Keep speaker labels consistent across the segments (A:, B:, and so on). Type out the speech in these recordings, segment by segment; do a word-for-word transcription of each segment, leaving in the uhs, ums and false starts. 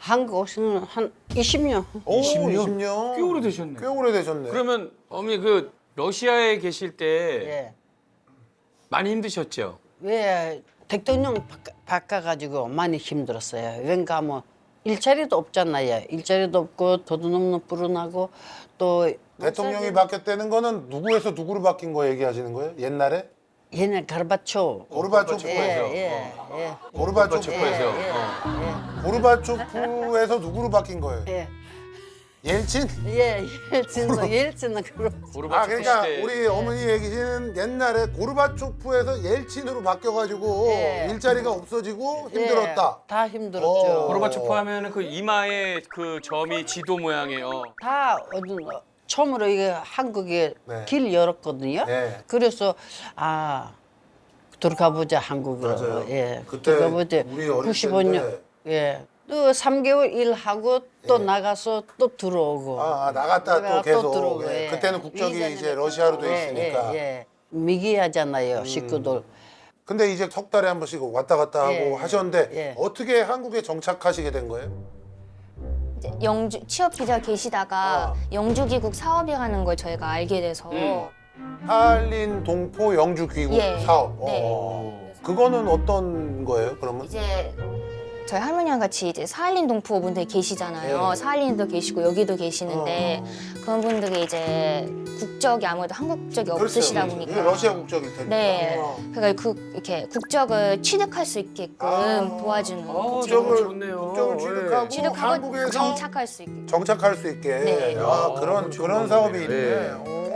A: 한국 오시는 한 이십 년.
B: 오,
C: 이십 년?
B: 이십 년.
C: 꽤 오래되셨네.
B: 꽤 오래되셨네.
C: 그러면 어머니 그 러시아에 계실 때
A: 예.
C: 많이 힘드셨죠?
A: 왜 대통령 바꿔, 바꿔가지고 많이 힘들었어요. 왠가 뭐 일자리도 없잖아요. 일자리도 없고 도둑놈도 불어나고 또
B: 대통령이 바뀌었다는 거는 누구에서 누구로 바뀐 거 얘기하시는 거예요? 옛날에?
A: 옛날 가르바초.
B: 고르바초프에서.
A: 예, 예, 예.
B: 고르바초프.
C: 고르바초프에서.
A: 예,
C: 어.
B: 고르바초프에서 누구로 바뀐 거예요?
A: 예.
B: 옐친?
A: 예, 옐친도 옐친은 그렇.
C: 고르바초프
B: 아 그러니까
C: 시대.
B: 우리 어머니 얘기는 옛날에 고르바초프에서 옐친으로 바뀌어가지고
A: 예.
B: 일자리가 없어지고 힘들었다.
A: 예, 다 힘들었죠.
B: 어.
C: 고르바초프 하면은 그 이마에 그 점이 지도 모양이에요.
A: 다 어떤 처음으로 이게 한국에
B: 네.
A: 길 열었거든요.
B: 네.
A: 그래서 아 들어가 보자 한국으로.
B: 맞아요.
A: 예.
B: 그때
A: 들어가 보자.
B: 우리 어릴
A: 구십오 년.
B: 때인데.
A: 예. 또 삼 개월 일하고 또
B: 예.
A: 나가서 또 들어오고.
B: 아, 아, 나갔다 또
A: 나가서
B: 계속.
A: 들어오고.
B: 예.
A: 예.
B: 그때는 국적이
A: 이전에는
B: 이제 러시아로 돼
A: 예,
B: 있으니까. 음.
A: 예, 예. 미기하잖아요 식구들.
B: 근데 이제 석 달에 한 번씩 왔다 갔다 하고
A: 예,
B: 하셨는데
A: 예.
B: 어떻게 한국에 정착하시게 된 거예요?
D: 이제 영주 취업 비자 계시다가
B: 아.
D: 영주귀국 사업이라는 걸 저희가 알게 돼서
C: 음.
B: 한린 동포 영주 귀국
D: 예.
B: 사업.
D: 네.
B: 어. 그거는 어떤 거예요? 그러면?
D: 이제 저희 할머니랑 같이 이제 사할린 동포분들이 계시잖아요.
B: 예.
D: 사할린도 계시고 여기도 계시는데
B: 어.
D: 그런 분들이 이제 국적이 아무래도 한국 국적이 없으시다
B: 그렇죠.
D: 보니까
B: 이게 러시아 국적일 테니까.
D: 네.
B: 어.
D: 그러니까 그 이렇게 국적을 취득할 수 있게끔
B: 아.
D: 도와주는
C: 어,
B: 국적을
C: 좋네요.
B: 국적을
C: 예.
B: 취득하고
D: 취득하고
B: 한국에서
D: 정착할 수 있게.
B: 정착할 수 있게.
D: 네.
B: 아,
C: 야,
B: 그런
C: 좋은
B: 그런
C: 방법이네.
B: 사업이 있네.
C: 예.
B: 오.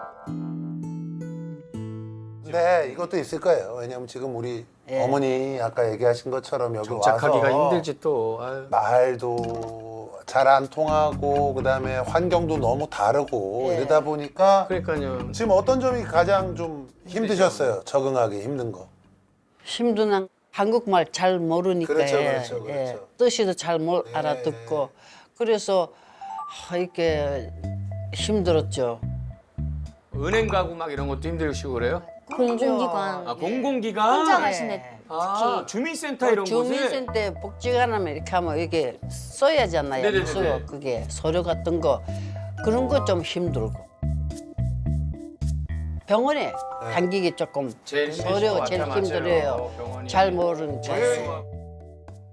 B: 네, 이것도 있을 거예요. 왜냐면 지금 우리
A: 예.
B: 어머니 아까 얘기하신 것처럼 여기
C: 정착하기가
B: 와서
C: 힘들지 또. 아유.
B: 말도 잘 안 통하고 그다음에 환경도 너무 다르고
A: 예.
B: 이러다 보니까
C: 그러니까요.
B: 지금 어떤 점이 가장 좀 힘드셨어요? 적응하기 힘든 거.
A: 힘든 한 한국말 잘 모르니까
B: 그렇죠,
A: 예,
B: 그렇죠, 그렇죠.
A: 예. 뜻이도 잘 못
B: 예.
A: 알아듣고 그래서 아, 이렇게 힘들었죠.
C: 은행 가고 막 이런 것도 힘들시고 그래요?
D: 공공기관
C: 아 공공기관?
D: 혼자
A: 예.
D: 가시는
C: 아 주민센터 이런 곳에?
A: 주민센터 복지관 하면 이렇게 하면 이게 써야잖아요.
C: 네네네네.
A: 서 그게 서류 같은 거 그런 거 좀 힘들고. 병원에 당기기 조금
C: 제일
A: 서류가
C: 힘드실
A: 제일
C: 것 같아요.
A: 힘들어요.
C: 맞아요. 병원이.
A: 잘 모르는 거.
B: 예.